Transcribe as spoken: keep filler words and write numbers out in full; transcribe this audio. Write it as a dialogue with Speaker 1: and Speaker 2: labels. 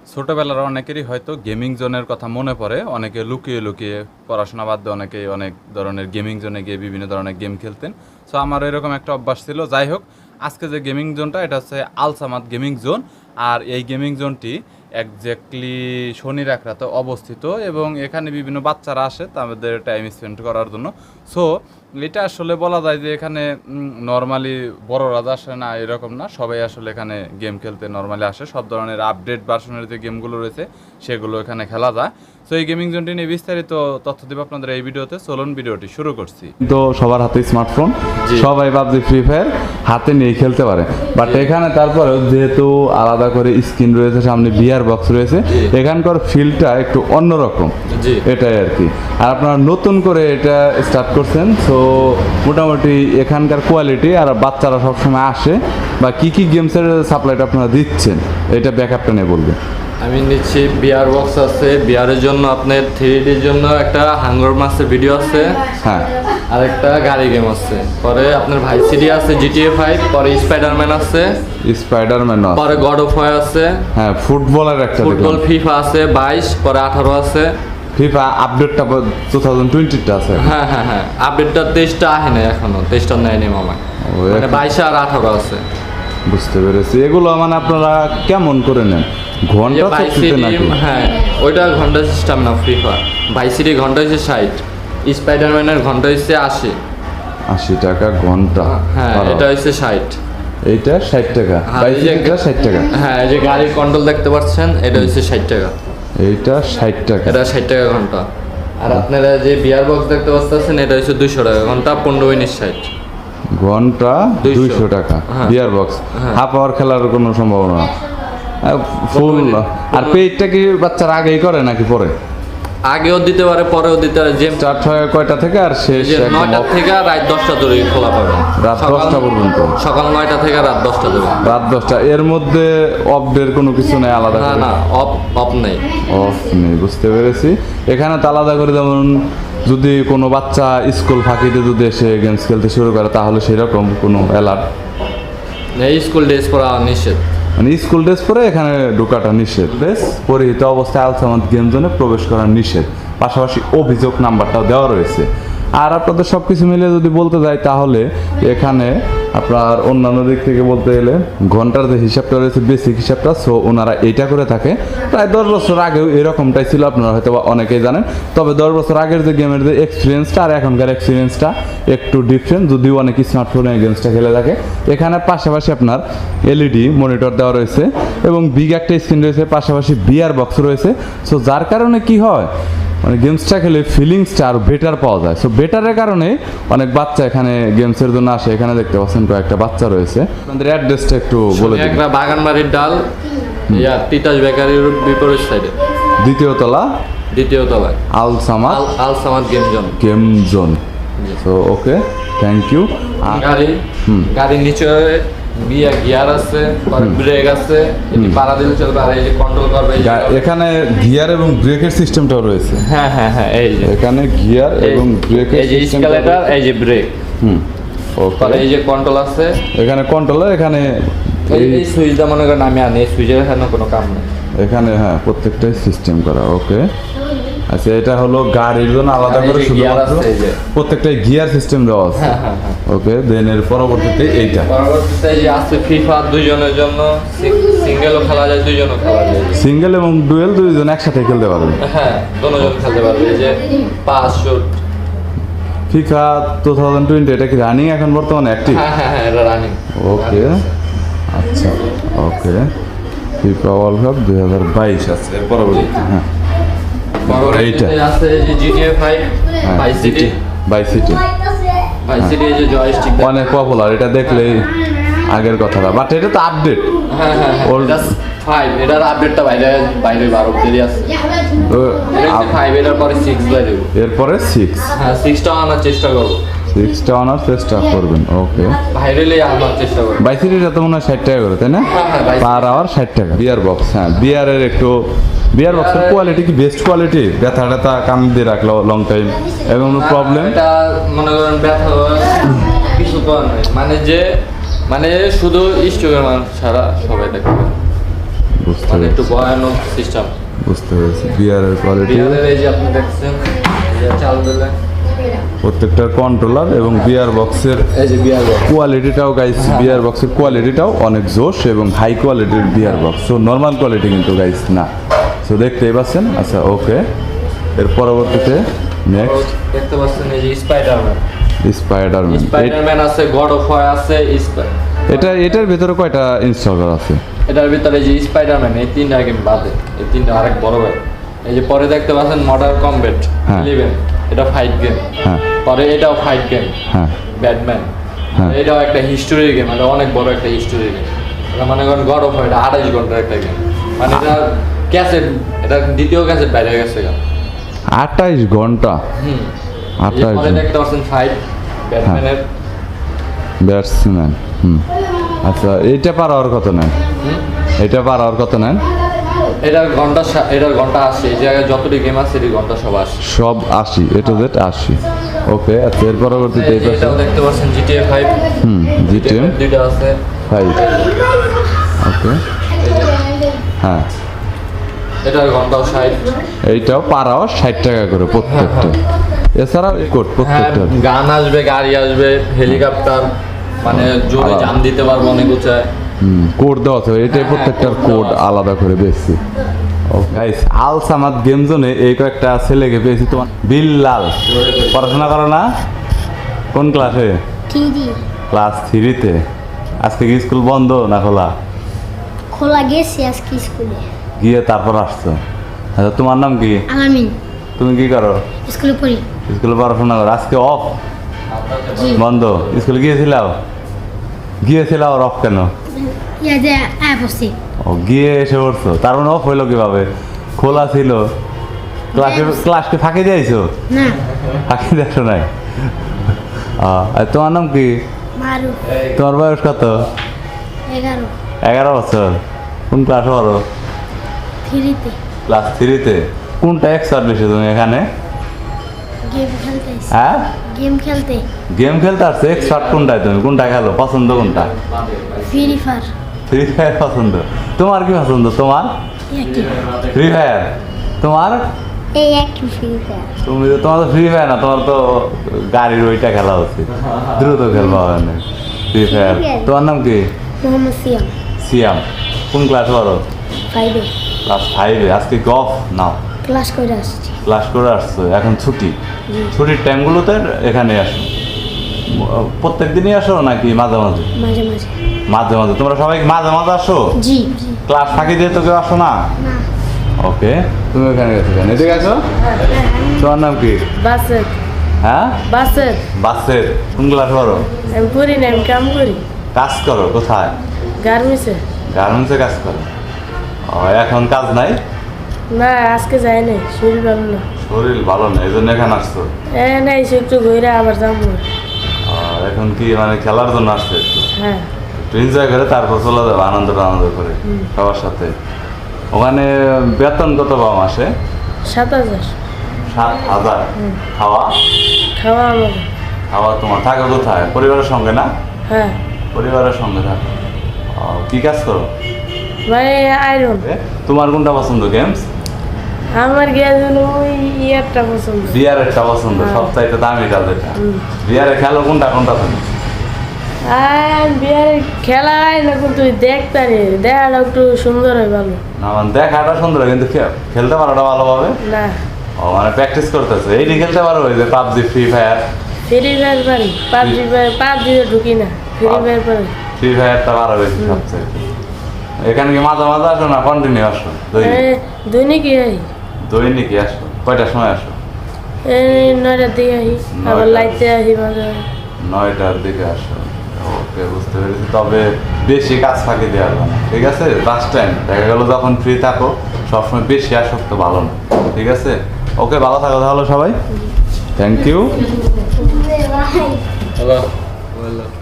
Speaker 1: ছোটবেলার অনেকেরই হয়তো গেমিং জোনের কথা মনে পড়ে। অনেকে লুকিয়ে লুকিয়ে পড়াশোনা বাদ দিয়ে অনেকেই অনেক ধরনের গেমিং জোনে গিয়ে বিভিন্ন ধরনের গেম খেলতেন। সো আমার এরকম একটা অভ্যাস ছিল। যাই হোক, আজকে যে গেমিং জোনটা এটা হচ্ছে আলসামাদ গেমিং জোন। আর এই গেমিং জোনটি একজ্যাক্টলি শনি রাখরাতে অবস্থিত এবং এখানে বিভিন্ন বাচ্চারা আসে তাদের টাইম স্পেন্ড করার জন্য। সো এটা আসলে বলা যায় যে এখানে নর্মালি বড়রা আসে না, এরকম না, সবাই আসলে এখানে গেম খেলতে নর্মালি আসে। সব ধরনের আপডেট ভার্সনের যে গেমগুলো রয়েছে সেগুলো এখানে খেলা যায়। তো এই গেমিং জোনটি নিয়ে বিস্তারিত তথ্য দেব আপনাদের এই ভিডিওতে। চলুন ভিডিওটি শুরু করছি।
Speaker 2: তো সবার হাতে স্মার্টফোন, সবাই পাবজি ফ্রি ফায়ার হাতে নিয়ে খেলতে পারে। বাট এখানে তারপরে যেহেতু আলাদা করে স্ক্রিন রয়েছে, সামনে বিয়ার বক্স রয়েছে, এখানকার ফিলটা একটু অন্যরকম, এটাই আর কি। আর আপনারা নতুন করে এটা স্টার্ট করছেন, তো মোটামুটি এখানকার কোয়ালিটি আর বাচ্চারা সবসময় আসে বা কি কি গেমসের সাপ্লাইটা আপনারা দিচ্ছেন এটা ব্যাকআপটা নিয়ে বলবেন।
Speaker 3: আমি নিচ্ছি বিয়ার বক্স আছে, বিয়ারের জন্য আপনার থ্রি ডির জন্য একটা হাঙ্গর মাসের ভিডিও আছে,
Speaker 2: হ্যাঁ,
Speaker 3: আর একটা গাড়ি গেম আছে, পরে আপনার ভাই সিডি আছে, জিটিএ ফাইভ, পরে স্পাইডারম্যান আছে,
Speaker 2: স্পাইডারম্যান
Speaker 3: পরে গড অফ ওয়ার আছে,
Speaker 2: হ্যাঁ, ফুটবলের একটা
Speaker 3: ফুটবল ফিফা আছে বাইশ, পরে আঠারো আছে,
Speaker 2: ফিফা আপডেটটা টু থাউজেন্ড টোয়েন্টিটা আছে।
Speaker 3: হ্যাঁ হ্যাঁ হ্যাঁ আপডেটটা তেইশটা আহে না এখনো, তেইশটা নেয়নি মামা, মানে বাইশে আর আঠারো আছে।
Speaker 2: বুঝতে পেরেছি। এগুলো মানে আপনারা কেমন করে নেন? ঘন্টা চুক্তিতে নাকি?
Speaker 3: হ্যাঁ, ওইটা ঘন্টা সিস্টেম না, ফিফা বাইসিটি ঘন্টা হচ্ছে ষাট, স্পাইডারম্যানের ঘন্টা হচ্ছে আশি
Speaker 2: আশি টাকা ঘন্টা।
Speaker 3: হ্যাঁ, এটা হচ্ছে ষাট,
Speaker 2: এইটা ষাট টাকা, বাইসিটিটা ষাট টাকা।
Speaker 3: হ্যাঁ, এই যে গাড়ির কন্ট্রোল দেখতে পাচ্ছেন, এটা হচ্ছে ষাট টাকা,
Speaker 2: এইটা ষাট টাকা,
Speaker 3: এটা ষাট টাকা ঘন্টা। আর আপনারা যে বিয়ার বক্স দেখতে পাচ্ছেন, এটা হচ্ছে দুইশো টাকা ঘন্টা, পনেরো মিনিট ষাট
Speaker 2: ঘন্টা দুইশো টাকা। বিয়ার বক্স হাফ আওয়ার খেলার কোনো সম্ভাবনা না, ফুল। আর পেইডটা কি বাচ্চারা আগেই করে নাকি পরে?
Speaker 3: আগেও দিতে পারে, পরেও দিতে পারে। যে
Speaker 2: স্টার্ট হয় কয়টা থেকে আর শেষ?
Speaker 3: নয়টা থেকে রাত দশটা ধরে খোলা পাবে,
Speaker 2: রাত দশটা পর্যন্ত,
Speaker 3: সকাল নয়টা থেকে রাত দশটা ধরে।
Speaker 2: রাত দশটা এর মধ্যে অফ ডের কোনো কিছু নেই আলাদা?
Speaker 3: না না, অফ অফ নেই,
Speaker 2: অফ নেই, বুঝতে পেরেছি। এখানে তো আলাদা করে, যেমন যদি কোনো বাচ্চা স্কুল ফাঁকিতে যদি এসে গেমস খেলতে শুরু করে তাহলে সেরকম কোনো অ্যালার্ট?
Speaker 3: এই স্কুল ড্রেস পরা নিষেধ,
Speaker 2: মানে স্কুল ড্রেস পরে এখানে ঢোকাটা নিষেধ। বেশ পরিহিত অবস্থায় আলসামাদ গেম জোনে প্রবেশ করা নিষেধ, পাশাপাশি অভিযোগ নাম্বারটাও দেওয়া রয়েছে। আর আপনাদের সব কিছু মিলে যদি বলতে যাই তাহলে এখানে আপনার অন্যান্য দিক থেকে বলতে গেলে ঘন্টার যে হিসাবটা রয়েছে, বেসিক হিসাবটা, সো ওনারা এইটা করে থাকে। প্রায় দশ বছর আগেও এরকমটাই ছিল, আপনারা হয়তো অনেকেই জানেন। তবে দশ বছর আগের যে গেমের যে এক্সপিরিয়েন্সটা আর এখনকার এক্সপিরিয়েন্সটা একটু ডিফারেন্ট, যদিও অনেক স্মার্টফোনে গেমসটা খেলে থাকে। এখানে পাশাপাশি আপনার এলইডি মনিটর দেওয়া রয়েছে এবং বিগ একটা স্ক্রিন রয়েছে, পাশাপাশি বিয়ার বক্স রয়েছে। সো যার কারণে কি হয়, মানে গেমসটা খেলে ফিলিংসটা আরও বেটার পাওয়া যায়। সো বেটারের কারণে অনেক বাচ্চা এখানে গেমসের জন্য আসে। এখানে দেখতে পাচ্ছেন কয়েকটা বাচ্চা রয়েছে। আপনাদের অ্যাড্রেসটা একটু বলে দিন।
Speaker 3: একটা বাগানবাড়ির ডাল, ইয়া তিতাস বেকারির বিপরীত সাইডে,
Speaker 2: দ্বিতীয় তলা,
Speaker 3: দ্বিতীয় তলায়
Speaker 2: Alsamad
Speaker 3: Alsamad game zone.
Speaker 2: Game zone. So okay, thank you.
Speaker 3: গাড়ি গাড়ির নিচে বিয়া গিয়ার আছে, ব্রেক আছে, এটি পাড়া দিলে চলবে, আর এই যে কন্ট্রোল করবে।
Speaker 2: এখানে গিয়ার এবং ব্রেকের সিস্টেমটাও রয়েছে।
Speaker 3: হ্যাঁ হ্যাঁ হ্যাঁ, এই যে
Speaker 2: এখানে গিয়ার এবং ব্রেকের
Speaker 3: এই যে স্কেলেটর, এই যে ব্রেক,
Speaker 2: হুম, ওকে।
Speaker 3: এই যে কন্ট্রোল আছে,
Speaker 2: এখানে কন্ট্রোলার, এখানে
Speaker 3: এই সুইচটা মনে করেন আমি আনি, এই সুইচের এখানে কোনো কাম নেই
Speaker 2: এখানে, হ্যাঁ, প্রত্যেকটাই সিস্টেম করা। ওকে, আচ্ছা, এটা হলো গাড়ির জন্য আলাদা করে শুধুমাত্র প্রত্যেকটাই গিয়ার সিস্টেম দেওয়া আছে। ওকে, দেন এর পরবর্তীতে এইটা
Speaker 3: পরবর্তীতে এই যে আছে ফিফা দুইজনের জন্য, সিঙ্গেলও খেলা যায়, দুইজনও খেলা যায়,
Speaker 2: সিঙ্গেল এবং ডুয়েল দুইজন একসাথে খেলতে পারবে।
Speaker 3: হ্যাঁ, দুজন খেলতে পারবে। এই যে pass shoot
Speaker 2: FIFA two thousand twenty, এটা কি রানিং এখন বর্তমানে অ্যাক্টিভ?
Speaker 3: হ্যাঁ হ্যাঁ হ্যাঁ, এটা রানিং।
Speaker 2: ওকে, আচ্ছা, ওকে। ফিফা ওয়ার্ল্ড কাপ দুই হাজার বাইশ আছে এর পরবর্তীতে। হ্যাঁ, এইটা
Speaker 3: আছে এই যে GTA five, Vice City,
Speaker 2: Vice City,
Speaker 3: Vice City, এই যে জয়স্টিক
Speaker 2: অনেক পপুলার। এটা দেখলেই আগের কথাটা, বাট এটা তো আপডেট।
Speaker 3: হ্যাঁ হ্যাঁ, ওল্ড ফাইভ, এটার আপডেটটা বাইরে বাইরে বারো দেরি আছে। এটা ফাইভ, এটার পরে সিক্স বাইরে,
Speaker 2: এরপরে সিক্স।
Speaker 3: হ্যাঁ, সিক্সটা আনার চেষ্টা করবো,
Speaker 2: সিক্সটা আনার চেষ্টা করবেন। ওকে,
Speaker 3: বাইরে আনার চেষ্টা করবো।
Speaker 2: বাইসিটিটা তো মনে হয় ষাট টাকা করে, তাই না? পার আওয়ার ষাট টাকা। বিয়ার বক্স, হ্যাঁ, বিয়ারের একটু বিয়ার বক্সের কোয়ালিটি কি বেস্ট কোয়ালিটি? ব্যথা ট্যাথা কান দিয়ে রাখলো লং টাইম এবং প্রবলেম?
Speaker 3: এটা মনে করেন ব্যথা কিছু তো নাই, মানে যে মানে শুধু স্ট্রোকের মানুষ ছাড়া সবাই দেখতে পারে।
Speaker 2: বুঝতে
Speaker 3: মানে একটু
Speaker 2: পেরেছি
Speaker 3: ভয়ানক সিস্টেম।
Speaker 2: বুঝতে পেরেছি বিয়ারের কোয়ালিটি
Speaker 3: বিয়ারের এই যে আপনি দেখছেন এই যে চাল দিলে
Speaker 2: প্রত্যেকটার কন্ট্রোলার এবং বিয়ার বক্সের
Speaker 3: এই যে বিয়ার বক্স।
Speaker 2: কোয়ালিটিটাও গাইস বিয়ার বক্সের কোয়ালিটিটাও অনেক জোশ এবং হাই কোয়ালিটির বিয়ার বক্স সো নর্মাল কোয়ালিটি কিন্তু গাইস না সো দেখতেই পাচ্ছেন আচ্ছা ওকে এর পরবর্তীতে নেক্সট
Speaker 3: দেখতে পাচ্ছেন এই যে স্পাইডারম্যান।
Speaker 2: স্পাইডারম্যান
Speaker 3: স্পাইডারম্যান আছে, গড অফ ওয়ার আছে, স্পাই-
Speaker 2: এটা এটার ভিতরে কয়টা ইনস্টল করা আছে
Speaker 3: এটার ভিতরে যে স্পাইডারম্যান এই তিনটা গেম বাদে এই তিনটা আরেক বড় ভাই। এই যে পরে দেখতে পাচ্ছেন মডার্ন কমব্যাট
Speaker 2: হ্যাঁ।
Speaker 3: ইলেভেন, এটা ফাইট গেম।
Speaker 2: হ্যাঁ
Speaker 3: পরে এটাও ফাইট গেম
Speaker 2: হ্যাঁ
Speaker 3: ব্যাটম্যান।
Speaker 2: হ্যাঁ।
Speaker 3: এটাও একটা হিস্টোরি গেম, এটা অনেক বড় একটা হিস্টোরি গেম। এটা মানে করেন গড অফ ওয়ার, এটা আড়াইশ ঘন্টার একটা গেম। মানে এটা ক্যাসেট, এটা দ্বিতীয় ক্যাসেট বাইরে গেছে গা।
Speaker 2: আঠাইশ ঘন্টা
Speaker 3: হুম। এই যে
Speaker 2: আঠাইশ
Speaker 3: পরে দেখতে পাচ্ছেন ফাইট ব্যাটম্যানের।
Speaker 2: ব্যাটসম্যান হুম আচ্ছা এইটা পার হওয়ার কত নেন
Speaker 3: হুম।
Speaker 2: এটা পার হওয়ার কত নেন
Speaker 3: এটার ঘন্টা সা- এটার ঘন্টা আসে, এই জায়গায় যতটি গেম আছে এটি ঘন্টা সব আসে।
Speaker 2: সব আশি এটা জেড আশি ওকে আচ্ছা এর পরবর্তীতে
Speaker 3: এই যে
Speaker 2: এটা
Speaker 3: এটাও দেখতে পাচ্ছেন জিটিএ ফাইভ,
Speaker 2: হুম জিটিএম
Speaker 3: দুইটা আছে।
Speaker 2: ফাইভ ওকে হ্যাঁ
Speaker 3: এটার ঘন্টাও ষাট।
Speaker 2: এইটাও পার আওয়ার ষাট টাকা করে প্রত্যেকটা এছাড়াও এই কোড
Speaker 3: হ্যাঁ,
Speaker 2: প্রত্যেকটা
Speaker 3: গান আসবে, গাড়ি আসবে, হেলিকপ্টার, মানে জোরে
Speaker 2: আলাদা।
Speaker 3: জাম দিতে পারবো অনেক উঁচায়।
Speaker 2: হুম কোড দেওয়া আছে এটাই
Speaker 3: হ্যাঁ,
Speaker 2: প্রত্যেকটার
Speaker 3: code
Speaker 2: কোড
Speaker 3: দেওয়া আছে।
Speaker 2: আলাদা করে বেশি ও গাইস আল সামাদ গেম জোনে এই কয়েকটা ছেলেকে পেয়েছি তোমার বিল্লাল পড়াশোনা করো না কোন ক্লাসে
Speaker 4: থ্রি
Speaker 2: ক্লাস থ্রিতে আজকে কি স্কুল বন্ধ না খোলা
Speaker 4: খোলা গেছে আজকে স্কুলে।
Speaker 2: গিয়ে তারপর আসছো আচ্ছা তোমার নাম কি
Speaker 4: আলামিন
Speaker 2: তুমি কি করো
Speaker 4: স্কুলে পড়ি।
Speaker 2: স্কুলে পড়াশোনা করো আজকে অফ
Speaker 4: জি
Speaker 2: বন্ধ স্কুলে গিয়েছিলাও গিয়েছিলাও আর অফ কেন
Speaker 4: ইয়া যে অ্যাপ আছে
Speaker 2: ও গিয়ে এসে পড়ছো তার মানে অফ হইলো কিভাবে খোলা ছিল ক্লাসে ক্লাসকে ফাঁকি দিয়েছো
Speaker 4: না
Speaker 2: ফাঁকি দেখো নাই আহ, আর তোমার নাম কি
Speaker 4: মারু
Speaker 2: তোমার বয়স কত
Speaker 4: এগারো
Speaker 2: এগারো বছর কোন ক্লাস পড়ো
Speaker 4: থ্রিতে
Speaker 2: ক্লাস থ্রিতে কোনটা এক্সার্ট বেশি তুমি এখানে
Speaker 4: গেম খেলতে আসি।
Speaker 2: হ্যাঁ
Speaker 4: গেম খেলতে
Speaker 2: গেম খেলতে আসছো এক্সপার্ট কোনটায় তুমি কোনটা খেলো পছন্দ কোনটা
Speaker 4: ফ্রি ফায়ার
Speaker 2: ফ্রি ফায়ার পছন্দ তোমার কি পছন্দ তোমার
Speaker 4: একই
Speaker 2: ফ্রি ফায়ার তোমার
Speaker 4: এই একই ফ্রি ফায়ার
Speaker 2: তুমি তো তোমার তো ফ্রি ফায়ার না তোমার তো গাড়ির ওইটা খেলা উচিত দ্রুত খেলবা হবে না ফ্রি ফায়ার তোমার নাম কি
Speaker 4: মোহাম্মদ সিয়াম
Speaker 2: সিয়াম কোন ক্লাস পড়ো
Speaker 4: ফাইভে
Speaker 2: ক্লাস ফাইভে আজকে গফ নাও
Speaker 4: ক্লাস করে আসছি।
Speaker 2: ক্লাস করে আসছো এখন ছুটি
Speaker 4: জি
Speaker 2: ছুটির টাইমগুলোতে এখানে আসো প্রত্যেক দিনই আসো নাকি মাঝে মাঝে
Speaker 4: মাঝে মাঝে
Speaker 2: মাঝে মাঝে তোমরা সবাই মাঝে মাঝে আসো
Speaker 4: জি জি
Speaker 2: ক্লাস ফাঁকি দিয়ে তো কেউ আসো না
Speaker 4: না
Speaker 2: ওকে তুমি ওখানে গেছো কেন এদিকে আছো তোমার নাম কি
Speaker 5: বাসের
Speaker 2: হ্যাঁ
Speaker 5: বাসের
Speaker 2: বাসের কোন ক্লাস পড়ো
Speaker 5: আমি করি না, আমি কাম করি
Speaker 2: কাজ করো কোথায়
Speaker 5: গার্মেন্টসে।
Speaker 2: গার্মেন্টসে কাজ করো ও, এখন কাজ নাই
Speaker 5: না আজকে যাই নাই, শরীর ভালো না।
Speaker 2: শরীর ভালো নেই এই জন্য এখানে আসছো
Speaker 5: এ না এসে একটু ঘুরে আবার যাবো।
Speaker 2: আর এখন কি মানে খেলার জন্য আসছে একটু
Speaker 5: হ্যাঁ
Speaker 2: একটু এনজয় করে তারপর চলে যাবে আনন্দ আনন্দ করে সবার সাথে ওখানে বেতন কত পাও মাসে
Speaker 5: সাত হাজার
Speaker 2: সাত হাজার খাওয়া
Speaker 5: খাওয়া আমাদের।
Speaker 2: খাওয়া তোমার থাকে কোথায় পরিবারের সঙ্গে না
Speaker 5: হ্যাঁ
Speaker 2: পরিবারের সঙ্গে থাকো ও, কি কাজ করো
Speaker 5: ভাই আয়রন।
Speaker 2: এ, তোমার কোনটা পছন্দ গেমস
Speaker 5: আমার গিয়ে ওই ইয়ারটা পছন্দ।
Speaker 2: বিয়ারেরটা পছন্দ
Speaker 5: হ্যাঁ।
Speaker 2: সবচাইতে দামি কাজ এটা
Speaker 5: হুম।
Speaker 2: বিয়ারে খেলো কোনটা কোনটা তুমি
Speaker 5: আর বিয়ার খেলা হয় না কিন্তু দেখতে রে দেখাটা একটু সুন্দর হয় ভালো।
Speaker 2: না মানে দেখাটা সুন্দর কিন্তু খে- খেলতে পারোটা ভালোভাবে
Speaker 5: না
Speaker 2: ও মানে প্র্যাকটিস করতেছে এইটি খেলতে পারো ওই যে PUBG free fire
Speaker 5: free fire পারি, পাবজি পাবজিতে ঢুকি না, ফ্রি ফায়ার পারি।
Speaker 2: ফ্রি ফায়ারটা ভালো বেশি সবচেয়ে এখানে কি মাঝে মাঝে আসো না কন্টিনিউ আসো দৈনিক?
Speaker 5: এ, দৈনিকই আই
Speaker 2: দৈনিকই আসো কয়টার সময় আসো
Speaker 5: এই নয়টার দিকে আহি, আবার
Speaker 2: নয়টা।
Speaker 5: লাইতে আহি মাঝে মাঝে।
Speaker 2: নয়টার দিকে আসো ওকে বুঝতে পেরেছি তবে বেশি কাজ ফাঁকি দেওয়া যাবে না ঠিক আছে লাস্ট টাইম দেখা গেলো যখন ফ্রি থাকো সবসময় বেশি আসক্ত ভালো না ঠিক আছে ওকে ভালো থাকো তাহলে সবাই থ্যাংক ইউ
Speaker 3: হ্যালো